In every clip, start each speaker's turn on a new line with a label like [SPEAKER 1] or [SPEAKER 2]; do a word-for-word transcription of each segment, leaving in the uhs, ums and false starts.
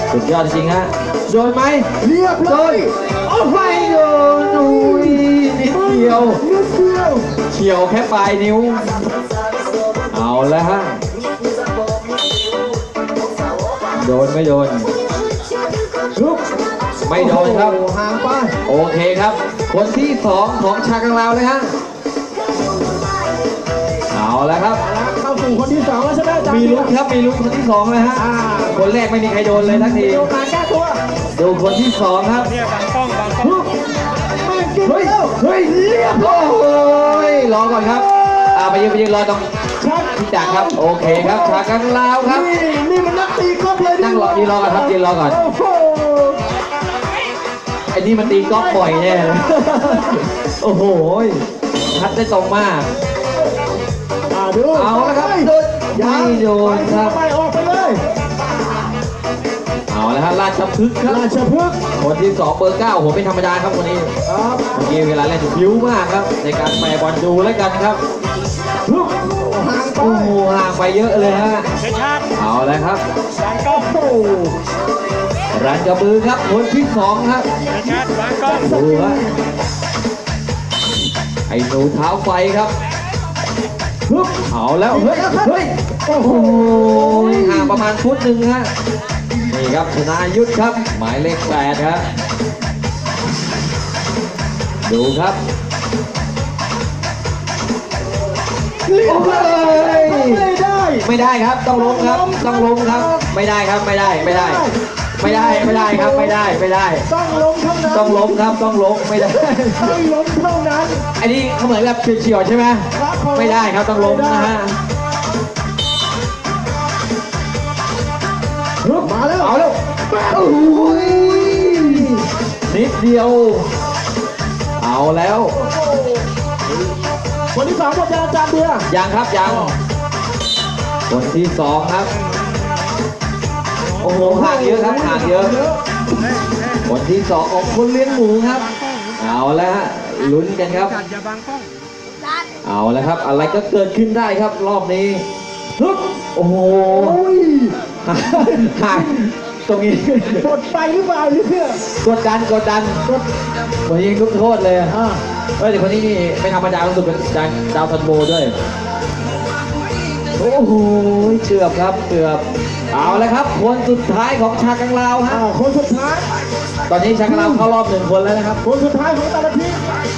[SPEAKER 1] สุดยอดจริงฮะโดนไหม
[SPEAKER 2] เรียบ
[SPEAKER 1] โด
[SPEAKER 2] ร้อน ย
[SPEAKER 1] โอ้ไม่โดนอุ้ยนิดเดียว
[SPEAKER 2] นิดเดียว
[SPEAKER 1] เฉียวแค่ปลายนิ้วเอาแล้วฮะโดนไม่โดน
[SPEAKER 2] ลุก
[SPEAKER 1] ไม่โดนครับ
[SPEAKER 2] โอ้โหห่างไป
[SPEAKER 1] โอเคครับ คนที่สองของชากังลาวเลยฮะเอาแล้วครับ
[SPEAKER 2] แล้วเข้าสู่คนที่สองแล้วใช่ไหมอาจารย์
[SPEAKER 1] มีลุ้นครับมีลุ้นคนที่สองเลยฮะ
[SPEAKER 2] อ่า
[SPEAKER 1] คนแรกไม่มีใครโดนเลยทักที
[SPEAKER 2] มีโอกาสแก้ตัว
[SPEAKER 1] ดูคนที่สองครับ
[SPEAKER 3] เนี่ยบางกล้องบางกล้อง
[SPEAKER 2] ลุกไม่กิน
[SPEAKER 1] เฮ้ย
[SPEAKER 2] แล้ว
[SPEAKER 1] เฮ้ยเรียบร้อยรอก่อนครับอ่าไปยืนไปยืนรอตรง
[SPEAKER 2] ชัก
[SPEAKER 1] พี่จักรครับโอเคครับชากังลาวครับ
[SPEAKER 2] นี่นี่มันนักตีกอล์ฟเลย
[SPEAKER 1] นั่งรอยืนรอก่อนครับยืนรอก่อน
[SPEAKER 2] โอ้โห
[SPEAKER 1] ไอ้นี่มันตีกอล์ฟบ่อยแน่เลย โอ้โหทัดได้ตรงมาก
[SPEAKER 2] อ่าดู
[SPEAKER 1] เอาละครับโดน
[SPEAKER 2] ยัง
[SPEAKER 1] ไม่โดนครับ
[SPEAKER 2] ไปออกไปเลย
[SPEAKER 1] เอาละครับราชพฤกษ์ครับ
[SPEAKER 2] ราชพฤกษ์
[SPEAKER 1] คนที่สองเบอร์เก้าโอ้โหไม่ธรรมดาครับคนนี้
[SPEAKER 2] ครับ
[SPEAKER 1] เมื่อกี้เวลาเล่นผิวมากครับ ในการแปรบอลดูแล้วกันครับ
[SPEAKER 2] ลุกห่างไป
[SPEAKER 1] โอ้โหห่างไปเยอะเลยฮะ
[SPEAKER 3] เชชาติ
[SPEAKER 1] เอาละครับ
[SPEAKER 3] บางกล้อง
[SPEAKER 2] โอ้โห
[SPEAKER 1] รันกระบือครับคนที่สองครับ
[SPEAKER 3] เชชาติบางกล้อง
[SPEAKER 1] ดูฮะไอ้หนูเท้าไฟครับ
[SPEAKER 2] ลุก
[SPEAKER 1] เอาแล้วเฮ้ยเฮ้ยโอ้โหห่างประมาณฟุตหนึ่งฮะนี่ครับชนายุทธครับ หมายเลขแปดครับดูครับ
[SPEAKER 2] เรีย
[SPEAKER 1] โอ้
[SPEAKER 2] บร้อย
[SPEAKER 1] ย
[SPEAKER 2] ไม่ได้
[SPEAKER 1] ไม่ได้ครับต้องล้มครับต้องล้มครับ ไม่ได้ครับไม่ได้ไม่ได้ ไม่ได้ไม่ได้ครับไม่ได้ไม่ได้
[SPEAKER 2] ต้องล้มเท่านั้น
[SPEAKER 1] ต้องล้มครับต้องล้มไม่ได้
[SPEAKER 2] ต้องล้มเท่านั้น
[SPEAKER 1] อันนี้เขาเหมือนแบบเฉียวๆใช่ไหม
[SPEAKER 2] ครับผ
[SPEAKER 1] ไม่ได้ครับต้องล้มนะฮะ
[SPEAKER 2] ลุกมาแล้ว
[SPEAKER 1] เอาแล้วโอ้ยนิดเดียว เอาแล้ว
[SPEAKER 2] คนที่สองหมดยาอาจารย์เบียร์
[SPEAKER 1] ยังครับยังคนที่สองครับ โอ้โหห่างเยอะครับห่างเยอะ คนที่สองของคนเลี้ยงหมูครับ เอาแล้วฮะลุ้นกันครับ
[SPEAKER 3] จัดอย่าบางกล้อง
[SPEAKER 1] เอาแล้วครับ อะไรก็เกิดขึ้นได้ครับรอบนี้ฮึบโอ้โห
[SPEAKER 2] โอ้ย
[SPEAKER 1] ห่างตรงนี้
[SPEAKER 2] กดไปหรือเปล่าเนี่ย
[SPEAKER 1] กดดันกดดัน
[SPEAKER 2] กด
[SPEAKER 1] คนยิงลูกโทษเลย
[SPEAKER 2] อ่า
[SPEAKER 1] เฮ้ยแต่คนนี้นี่ไม่ธรรมดารู้สึกเป็นดาวดาวซันโบด้วย โอ้โหเกือบครับเกือบเอาแล้วครับคนสุดท้ายของชากังลาวฮะ
[SPEAKER 2] อ่าคนสุดท้าย
[SPEAKER 1] ตอนนี้ชากังลาวเข้ารอบหนึ่งคนแล้วนะครับ
[SPEAKER 2] คนสุดท้ายของแต่ละทีม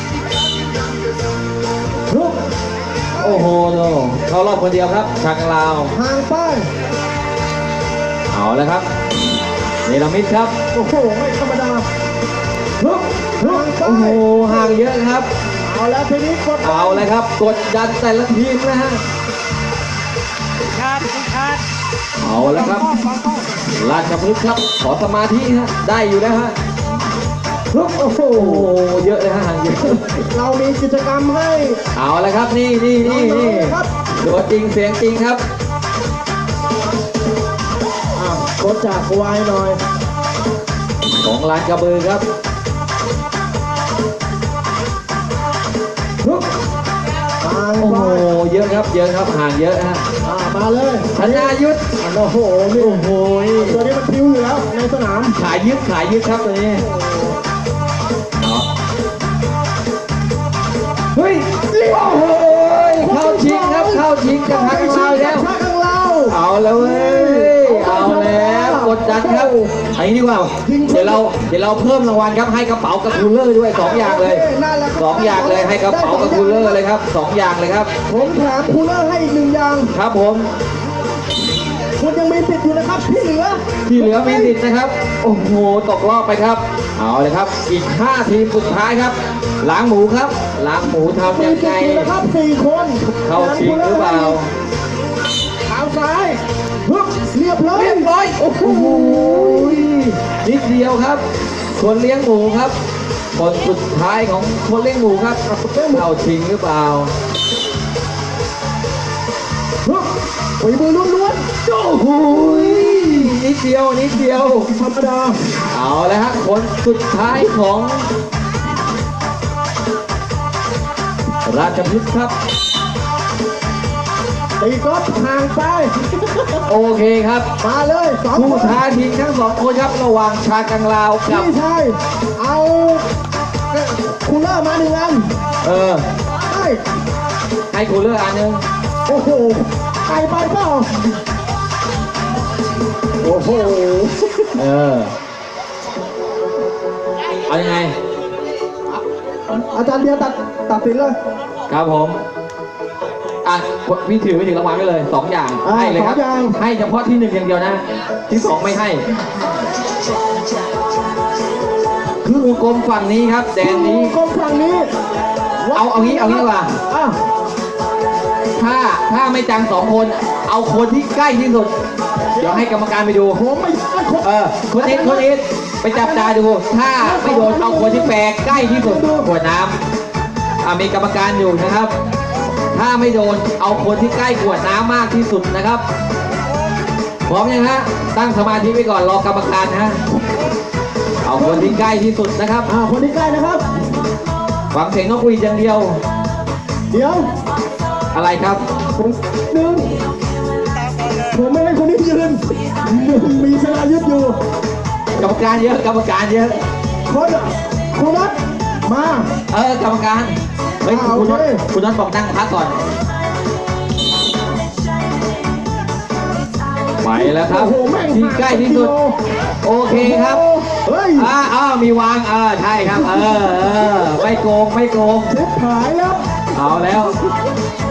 [SPEAKER 2] ลุก
[SPEAKER 1] โอ้โหโนเข้ารอบคนเดียวครับชากังลาว
[SPEAKER 2] ห่างไป
[SPEAKER 1] เอาแล้วครับเนลมิดครับ
[SPEAKER 2] โอ้โหไม่ธรรมดาลุกห่างไป
[SPEAKER 1] โอ้โหห่างเยอะครับ
[SPEAKER 2] เอาแล้วทีนี้กด
[SPEAKER 1] เอาเลยครับกดดันแต่ละทีมนะฮะ
[SPEAKER 3] เชชาติเชชาติ
[SPEAKER 1] เอาแล้วครับ
[SPEAKER 2] บางกล้อง
[SPEAKER 1] ราชพฤกษ์ครับขอสมาธิฮะได้อยู่แล้วฮะ
[SPEAKER 2] ลุกโอ้โห
[SPEAKER 1] โอ้โหเยอะเลยฮะห่างเยอะ
[SPEAKER 2] เรามีกิจกรรมให้
[SPEAKER 1] เอาแล้วครับนี่นี่นี่นี่
[SPEAKER 2] ครับ
[SPEAKER 1] ตัวจริงเสียงจริงครับ
[SPEAKER 2] อ่ากดจากวายหน่อย
[SPEAKER 1] ของร้านกระบือครับ
[SPEAKER 2] ลุกห่าง
[SPEAKER 1] โอ้
[SPEAKER 2] ไป
[SPEAKER 1] โหเยอะครับเยอะครับห่างเยอะฮะ
[SPEAKER 2] อ่ามาเลย
[SPEAKER 1] ธนายุทธ
[SPEAKER 2] อ่าโอ้โหนี่
[SPEAKER 1] โอ้โห
[SPEAKER 2] ตัวนี้มันพิ้วอยู่แล้วในสนาม
[SPEAKER 1] ขายยึดขายยึดครับตัวนี้เนาะเฮ้ยโอ้โหเข้าชิงครับเข้าชิงกับทางเราแล้ว
[SPEAKER 2] ทางเรา
[SPEAKER 1] เอาแล้วเว้ยเอาแล้วกดดันครับไอ้นี่ดีกว่าเดี๋ยวเราเดี๋ยวเราเพิ่มรางวัลครับให้กระเป๋ากับคูลเลอร์ด้วยสองอย่างเลยสองอย่างเลยให้กระเป๋ากับคูลเลอร์เลยครับสองอย่างเลยครับ
[SPEAKER 2] ผมแถมคูลเลอร์ให้อีกหนึ่งอย่าง
[SPEAKER 1] ครับผม
[SPEAKER 2] คุณยังมีสิทธิ์อยู่นะครับที่เหลือ
[SPEAKER 1] ที่เหลือมีสิทธิ์นะครับ โอ้โหตกรอบไปครับ เอาเลยครับ อีกห้าทีมสุดท้ายครับ ล้างหมูครับ ล้างหมูทำ
[SPEAKER 2] มี
[SPEAKER 1] ยัง
[SPEAKER 2] สิ
[SPEAKER 1] ไง
[SPEAKER 2] ทธิ์อยู่นะครับสี่คน
[SPEAKER 1] เข้าชิงหรือเปล่า
[SPEAKER 2] เท้าซ้ายฮึบเรียบร้อย
[SPEAKER 1] เรียบร้อยโอ้โหนิดเดียวครับ คนเลี้ยงหมูครับ คนสุดท้ายของคนเลี้ยงหมูครับเข้าชิงหรือเปล่า
[SPEAKER 2] ฮึบฝีมือล้วน
[SPEAKER 1] โอ้โหนิดเดียวนิดเดียว
[SPEAKER 2] ๆธรรมดา
[SPEAKER 1] เอาแล้วฮะคนสุดท้ายของ ราชพฤกษ์ครับ
[SPEAKER 2] ตีกอล์ฟห่างไป
[SPEAKER 1] โอเคครับ
[SPEAKER 2] มาเลยสอง
[SPEAKER 1] ผู้
[SPEAKER 2] คน
[SPEAKER 1] ท้าชิงทั้งสองคนครับระหว่างชากังลาวกับ
[SPEAKER 2] พี่ชายเอาคูลเลอร์มาหนึ่งอัน
[SPEAKER 1] เออ
[SPEAKER 2] ใช่
[SPEAKER 1] ให้กูเลือกอันหนึง
[SPEAKER 2] โอ้โหไกลไปเปล่าโอ้โห
[SPEAKER 1] เออเอายังไง
[SPEAKER 2] อาจารย์เดียวตัดตัดสินเลย
[SPEAKER 1] ครับผมอ่ะพี่ถือไปถึงรางวัลไปเลยสองอย่าง
[SPEAKER 2] อ่า
[SPEAKER 1] ให้เลยครับ
[SPEAKER 2] สองอย่าง
[SPEAKER 1] ให้เฉพาะที่หนึ่งอย่างเดียวนะ ที่สองไม่ให้ คือวงกลมฝั่งนี้ครับแดนนี้
[SPEAKER 2] กรมฝั่งนี้
[SPEAKER 1] เอาเอางี้เอางี้ดีกว่า
[SPEAKER 2] อ่ะ
[SPEAKER 1] ถ้าถ้าไม่จังสองคน เอาคนที่ใกล้ที่สุด เดี๋ยวให้กรรมการไปดู
[SPEAKER 2] ผมไม่ได้คน
[SPEAKER 1] เออคนนี้คนนี้ไปจับตาดู ถ้าไม่โดนเอาคนที่แปลใกล้ที่สุดขวดน้ำอ่ะมีกรรมการอยู่นะครับ ถ้าไม่โดนเอาคนที่ใกล้ขวดน้ำมากที่สุดนะครับพร้อมยังฮะตั้งสมาธิไว้ก่อนรอกรรมการนะฮะเอาคนที่ใกล้ที่สุดนะครับ
[SPEAKER 2] อ่าคนที่ใกล้นะครับ
[SPEAKER 1] ฟังเสียงนกหวีดอย่างเดียว
[SPEAKER 2] เดี๋ยว
[SPEAKER 1] อะไรครับ
[SPEAKER 2] ผมหนึ่งผมไม่ให้คนนี้ยืนหนึ่งมีสลายุทธอยู่
[SPEAKER 1] กรรมการเยอะกรรมการเยอะ
[SPEAKER 2] คนคุณนัทมา
[SPEAKER 1] เออกรรมการเฮ้ย
[SPEAKER 2] อ่า
[SPEAKER 1] คุณน็อต
[SPEAKER 2] โอเค
[SPEAKER 1] คุณน็อตบอกนั่งพักก่อนไปแล้วครับ
[SPEAKER 2] โอ้โหแม่ง
[SPEAKER 1] ที่ใกล้ที่สุด โอเคครับ
[SPEAKER 2] เฮ้ย
[SPEAKER 1] อ่าอ้าวมีวางเออใช่ครับ เออเออไม่โกงไม่โกง
[SPEAKER 2] เช็ดหายแล้ว
[SPEAKER 1] เอาแล้ว